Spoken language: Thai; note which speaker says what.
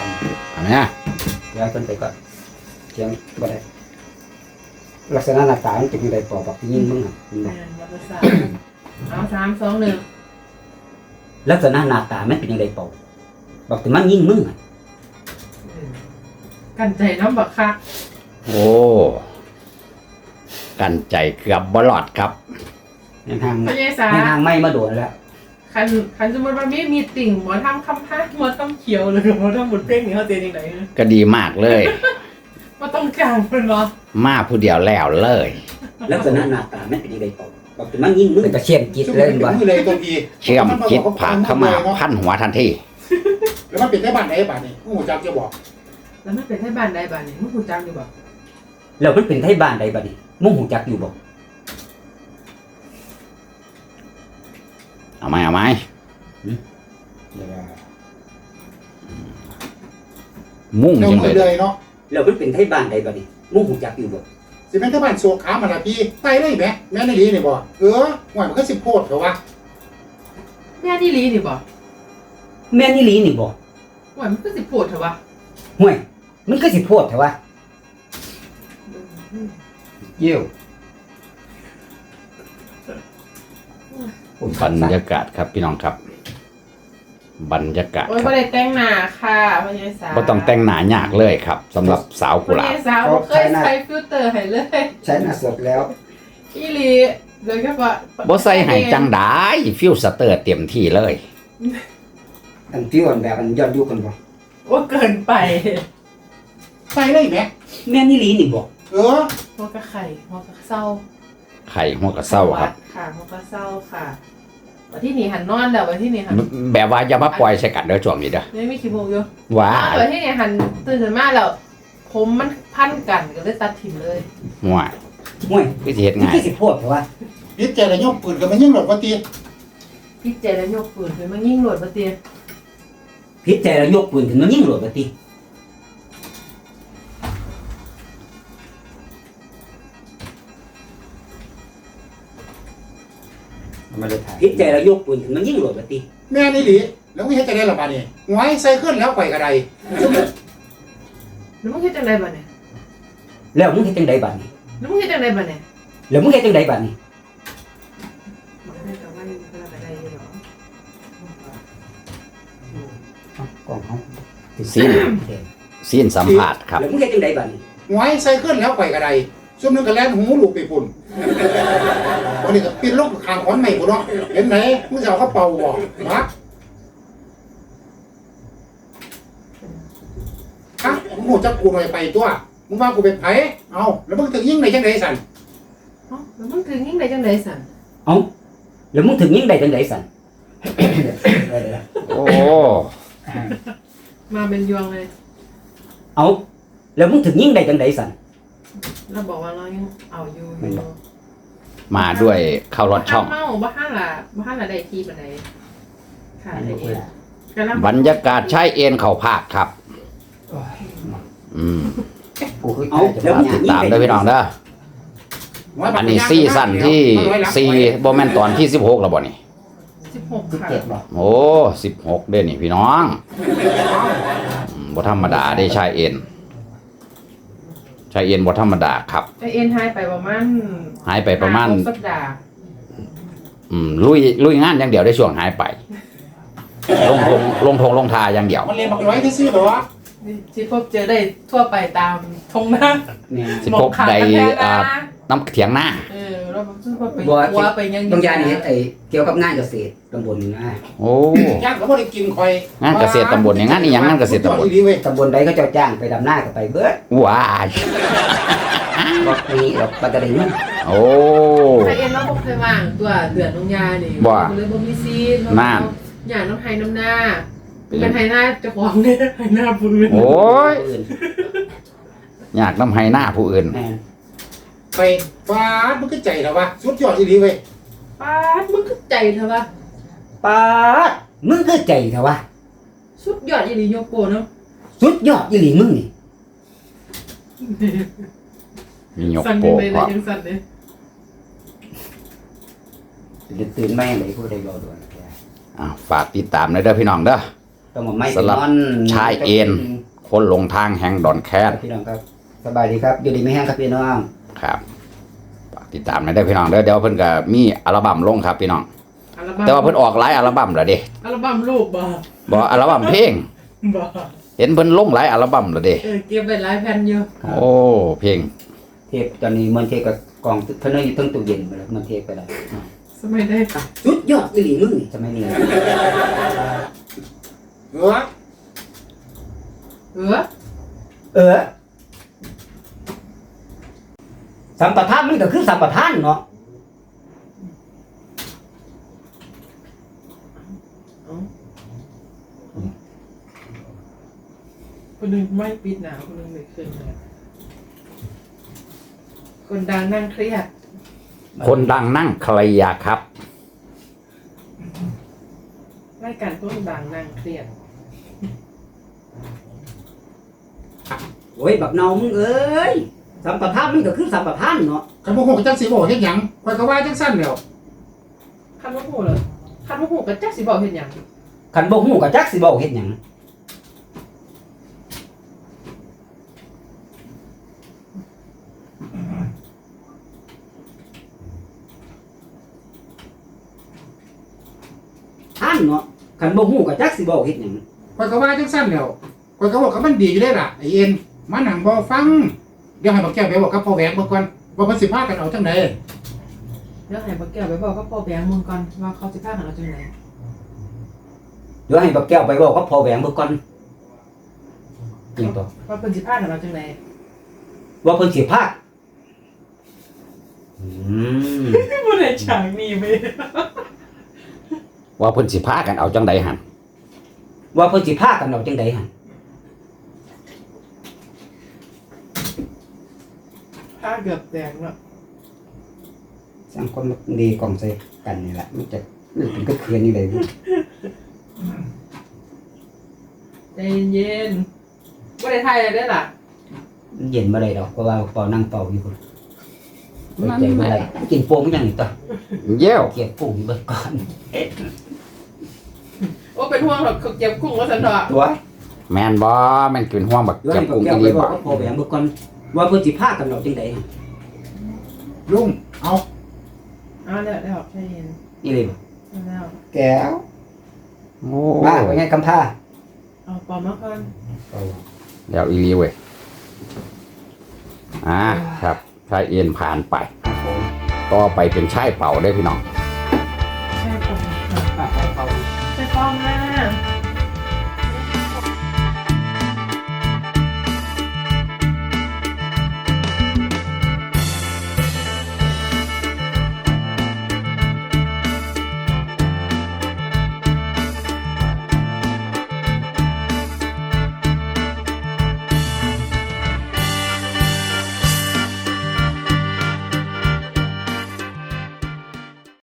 Speaker 1: อันนี้
Speaker 2: เดี๋ยวคนไปก่อนเชียงบ่ได้ลักษณะหน้าตามันเป็นยังไงปอบอกที่ยิงมึงอ่ะ
Speaker 3: เอา3 2 1
Speaker 2: ลักษณะหน้าตามันเป็นยังไงปอบอกถึงมันยิงมึงอ่ะ
Speaker 3: กันใจน้ำบักคัก
Speaker 1: โอ้กันใจเกือบบลอดครับ
Speaker 2: ยังทาง
Speaker 3: พญายสา
Speaker 2: ยังทางไม่มาโดนแล้ว
Speaker 3: คันสมมติว่ามีติ่งหมอทำคำพาหมอทำเขียวหรือหมอทำหมดเป้งนี่เขาเจนยังไง
Speaker 1: ก็ดีมากเลย
Speaker 3: ว่าต้องการเป็นหรอ
Speaker 1: มาผู้เดียวแล้วเลย
Speaker 2: ลักษณะหน้าตามันเป็นยังไงปอบอกถึงมันยิงมึงก็เชียนจิตเลยบ่
Speaker 4: มือเลยตัวพี
Speaker 1: เชื่อมคิดผ่านเข้ามาพันหัวทันที
Speaker 4: แล้วมันเป็นได้บ้านไหนบ้านนี้ผู้จักจะบอก
Speaker 3: แล้วมันเป็นไทบ้านใดบ้านนี่มึงกูจักอยู่บ่
Speaker 2: แล้วมันเป็นไทบ้านใดบัดนี้มึงหูจักอยู่บ่
Speaker 1: เอาไหมเอาไหมมุ่ง
Speaker 4: เจ้า
Speaker 1: จัง
Speaker 4: มื
Speaker 1: เล
Speaker 4: อย เลยเนาะ
Speaker 2: แล้วมันเป็นไทบ้านใดบัดนี้มึงหูจักอยู่บ่
Speaker 4: สิเป็นที่บ้านโซขามันละพี่ไตได้ไหมแม่ในลีนี่บ่หวานมันก็สิโพดเหรอวะ
Speaker 3: แม่นี่ลีนี่บ่
Speaker 2: แม่นอี่ลีนี่บ่
Speaker 3: ว่ามันก็สิปวดเถอะวะ
Speaker 2: ห่วยมันก็สิโพดแต่ว่าเยี่ยว
Speaker 1: บรรยากาศครับพี่น้องครับ บรรยากาศ
Speaker 3: โอ้ย
Speaker 1: ค
Speaker 3: บ่
Speaker 1: รับ
Speaker 3: ได้แต่งหน้าค่ะพญายสา
Speaker 1: บ่ต้องแต่งหน้ายากเลยครับสำหรับสาว
Speaker 3: พ
Speaker 1: กุหลา
Speaker 3: ญา
Speaker 1: บ
Speaker 3: ยสาบ่เคยใช้ฟิลเตอร์ให้เลย
Speaker 2: ใช้หน้าสดแล้ว
Speaker 3: อีหลีโดยเฉพาะ
Speaker 1: บ่ใส่ให้จังได้ฟิวสเตอร์เต็มที่เลย
Speaker 2: อันที่อ่อนแบบอันย้อนยุคกันบ่
Speaker 3: ว่าเกินไป
Speaker 4: ไตได้ไหม
Speaker 2: แม่นอี่ลีนี่บ่
Speaker 3: หัวกระไข่หัวกระเศร้า
Speaker 1: ไข่หัวกระเซ้าครับ
Speaker 3: ค่ะหัวกระเศร้าค่ะวันที่นี่หันนอนแล้ววันที่นี่หัน
Speaker 1: แบบว่าอย่ามาปล่อยใส่กันเด้อช่วงนี้เด้อ
Speaker 3: ไม่มีขี้โมกอยู่
Speaker 1: ว้า
Speaker 3: วันที่นี่หันตื่นขึ้นมาแล้วผมมันพันกันก็เลยตัดถิ่มเลย
Speaker 1: ห่วย
Speaker 2: ห่วย
Speaker 1: คือสิเฮ็ด
Speaker 2: มัน
Speaker 1: ง่าย
Speaker 2: คือสิโพดแต่ว่า
Speaker 4: ยึดใจแล้วยกปืนกันมันยิ่งหลดว่าตี
Speaker 3: พี่เจแล้วยกปืนขึ้นมายิงหลวดมาเตีย
Speaker 2: พิษใจแล้วยกปืนขึ้นมายิงโหลดบ่ติ
Speaker 1: ไม่ได้ถ่าย
Speaker 2: พิษใจแล้วยกปืนขึ้นมายิงโหลดบ่ติ
Speaker 4: แม่ในลีแล้วไม่เห็นจะได้หรอบ้านนี้หวยใส่ขึ้นแล้วไข่กระได
Speaker 3: แล้วมึงเฮ็ดจังไดบัดเนี่ย
Speaker 2: แล้วมึงเฮ็ดจังไดบัดนี้
Speaker 3: แล้วมึงเฮ็ดจังไดบัดเนี่ย
Speaker 2: แล้วมึงเฮ็ดจังไดบัดนี้
Speaker 3: มันให้กับว่าอยู่คนละกระไดอยู่หรอก
Speaker 2: ล้องเฮา
Speaker 1: ซีนสัมผัสครับ
Speaker 2: แล้วมึงเฮ็ดจังไดบัดนี้
Speaker 4: หวยใส่ขึ้นแล้วไข่กระไดซุ่มนึงก็แล่นหูลูกไปปุ่นวันนี้ก็ปิดลูกขางขอนใหม่ปุ่นเนาะเห็นไหมมึงจะเอาเขาเป่าบ่มาฮะมึงหูจักกูหน่อยไปตัวมึงว่ากูเป็นไผเอาแล้วมึงถึงยิ่งในจังไดสัน
Speaker 3: เอ้าแล้วมึงถึงยิงได้จังไดสั่น
Speaker 2: เอ้าแล้วมึงถึงยิงได้จังไดสั่น
Speaker 1: โอ้
Speaker 3: มาเป็นยวงเลย
Speaker 2: เอ้าแล้วมึงถึงยิงได้จังไดสั่น
Speaker 3: เราบอกว่าเรายังเอาอยู่
Speaker 2: ไม่บอก
Speaker 1: มาด้วยเข้ารถช่อง
Speaker 3: เมาบ้านละได้ทีบันไดค่ะได้เองกำลัง
Speaker 1: บรรยากาศใช้เอ็นเข่าภาคครับ อืม
Speaker 2: กูคือเอาแล้วมึงถึงยิง
Speaker 1: ตาม
Speaker 2: ได้
Speaker 1: เด้อพี่น้องเด้ออันนี้ซีซั่นที่4บ่แม่นตอนที่16แล้วบ่นี่
Speaker 3: 16ค่ะ
Speaker 2: 17บ่
Speaker 1: โอ้16เด้อนี่พี่น้องบ่ธรรมดาได้ใช้เอ็นใช้เอ็นบ่ธรรมดาครับ
Speaker 3: ไอเอ็นหายไปประมาณ
Speaker 1: หายไปประมาณ
Speaker 3: สัปดาห์
Speaker 1: ลุยงานอย่างเดียวได้ช่วงหายไป ลงทาอย่างเดียว
Speaker 4: มันเรียนบักร้อยที่ซื้อเหรอวะ
Speaker 3: ที่พบเจอได้ทั่วไปตามทงนา
Speaker 2: เนี่ย
Speaker 1: สิพบใดน้ำเถียงหน้า
Speaker 3: เราซื้อพบไป
Speaker 2: บ่
Speaker 3: วัวไปยัง
Speaker 2: ต้องยานี่ไอ้เกี่ยวกับงานเกษตรตำบลนี่นะ
Speaker 1: โอ้
Speaker 4: ย่างก็ไม่ได้กินคอย
Speaker 1: งานเกษตรตำบลเนี่ยงานนี่ยังงานเกษตรตำบล
Speaker 4: ดีเว้ย
Speaker 2: ตำบลใดเขาเจ้าจ้างไปดำหน้าก็ไปเบิด
Speaker 1: ว้าย
Speaker 2: บ่มีหรอกปกติมัน
Speaker 1: โอ้
Speaker 3: ไอเอ็นเราพบเคยว่างตัวเดือนน้องยานี่
Speaker 1: ว่า
Speaker 3: เลยบ่มีซีน
Speaker 1: น่าน
Speaker 3: อย่างน้องไฮน้ำหน้าเป็นไฮหน้าเจ้าของเนี่ยไฮหน้าปืน
Speaker 1: โอ้ย
Speaker 2: อื่น
Speaker 1: อยากน้ำให้หน้าผู้อื่น
Speaker 2: แม่น
Speaker 4: ไปฟ้ามันก็ใจแล้ววะสุดยอดดีเว้ย
Speaker 3: ป้าดมึงก็ใจเถอะวะ
Speaker 2: ปาดมึงคือใจเถอะวะ
Speaker 3: สุดยอดอีหลีโยโกเนาะ
Speaker 2: สุดยอดอีหลีมึงนี่
Speaker 1: มียก
Speaker 3: สั่น
Speaker 1: โป
Speaker 3: ยัง
Speaker 1: ก
Speaker 3: ไง
Speaker 1: ค
Speaker 3: เล
Speaker 1: รั
Speaker 3: ย
Speaker 1: บ
Speaker 3: ยังสั่นเลย
Speaker 2: ตื่นแม่งเลยผู้ใดรอด่วน
Speaker 1: ฝากติดตามเลยเด้อพี่น้องเด้อ
Speaker 2: ต้องมาไม้
Speaker 1: สำหรับ
Speaker 2: นอน
Speaker 1: ชายเอ็น คนหลงทางแห่งดอนแคท
Speaker 2: พี่น้องครับสบายดีครับอยู่ดีไม่แห้งครับพี่น้อง
Speaker 1: ครับฝากติดตามหน่อยได้อพี่น้องเดี๋ยวเพิ่นก็มีอัลบั้มลงครับพี่น้อง
Speaker 3: อัลบั้ม
Speaker 1: แต่ว่าเพิ่นออกหลายอัลบั้มแล้วเด้
Speaker 3: อัลบั้มรูปบ่
Speaker 1: บ่อัลบั้มเพลง
Speaker 3: บ่
Speaker 1: เห็นเพิ่นลงหลายอัลบั้มแล้วเด้
Speaker 3: เก็บไว้หลายแผ่นอยู่
Speaker 2: ครับ
Speaker 1: โอ้เพลง
Speaker 2: เทปตอนนี้มันเทปกับกล่องเพิ่นเอาอยู่ตั้งตู้เย็นไปแล้วมันเทปไปแล้ว
Speaker 3: สมัยได้
Speaker 2: สุดยอดอีหลีมึงนี่จะไม่นี่
Speaker 4: เออ
Speaker 3: เออ
Speaker 2: สัมปทานมันก็คือสัมปทานเนาะ
Speaker 3: คนหนึงไม่ปิดหนาวคนหนึงไม่ขึ้นเลยคนดังนั่งเครียด
Speaker 1: คนดังนั่งใครอยากครับ
Speaker 3: รายการคนดังนั่งเครียด
Speaker 2: โอ้ยบักเนามึงเอ้ยสัมปทานมันก็คือสัมปทานเนาะ
Speaker 4: คันบ่ฮู้ก็จักสิบอกเฮ็ดหยังข่อยก็ว่าจังซั่นแหล้ว
Speaker 3: คันว่าหูเลยคันว่าหูก็จักสิบอกเห็นหยัง
Speaker 2: คันบ่ฮู้ก็จักสิเว้าเฮ็ดหยังท่านเนาะคันบ่ฮู้ก็จักสิเว้าเฮ็ดหยัง
Speaker 4: ข่อยก็ว่าจังซั่นแหล้วข่อยก็บอกกับมันดีอยู่ได้ล่ะไอ้เอ็นมานั่งบ่ฟังเดี๋ยวให้บักแก้วไปบอกกับพ่อแหวงเบิ่งก่อนว่าเพิ่นสิพากันเอาจังได
Speaker 3: เดี๋ยวให้บักแก้วไปบอกกับพ่อแบงค์มึงก่อนว่าเขาสิพากันเอาจังได
Speaker 2: เดี๋ยวให้บักแก้วไปเว้ากับพ่อแหวงเบิ่งก่อนจริงตัว
Speaker 3: ว่าเพิ่นสิพากันเอาจังได
Speaker 2: ว่าเพิ่นสิพากม
Speaker 3: บ่ได้ฉากนี้ไป
Speaker 1: ว่าเพิ่นสิพากันเอาจังใดหั่น
Speaker 2: ว่าเพิ่นสิพากันเอาจังไดหั่น
Speaker 3: พาเกือบแตกเนาะ
Speaker 2: สร้างคนดีกล่องใส่กันนี่แหละมันจะมันเป็นก็เคือนนี่เลย
Speaker 3: ใจเย็นๆบ่ได้ถ่ายอะไรได้ล่ะ
Speaker 2: มันเย็นบ่ได้ดอกเพราะว่าเป่านั่งเป่าอยู่พุ่นใจบ่ได้กินโป่งยังนี่ตัว
Speaker 1: เย้ว
Speaker 2: เก็บโป่งเบิดก่อน
Speaker 3: โอ้เป็นห่วงหรอกเขาเก็บกุ้งว่าซั่นดอก
Speaker 2: ตัว
Speaker 1: แม่นบ่แม่นกินห่วงบัก
Speaker 2: ด้วย
Speaker 1: เก็บ
Speaker 2: บัก
Speaker 1: กุ้ง
Speaker 2: แก้
Speaker 1: อี
Speaker 2: ว
Speaker 1: ห
Speaker 2: ไป
Speaker 1: ลี
Speaker 2: บอ
Speaker 1: บ่
Speaker 2: กกับพ่อแหวงเบิดก่อนว่าเพิ่นสิพากันเอาจังไดหั่น
Speaker 4: ลุงเอา
Speaker 3: เอาแล้วได้ออกใจเย็น
Speaker 2: นี่เลยบ่
Speaker 3: เอาแล้ว
Speaker 2: แก้ว
Speaker 1: โอ้
Speaker 2: มาเป็นไงกำพร้า
Speaker 3: เอาปอมมาก่อน
Speaker 1: เดี๋ยวอีหลีเว้ยครับชายเอ็นผ่านไป
Speaker 2: ครับผม
Speaker 1: ต่อไปเป็นชายเป่าได้อพี่น้อง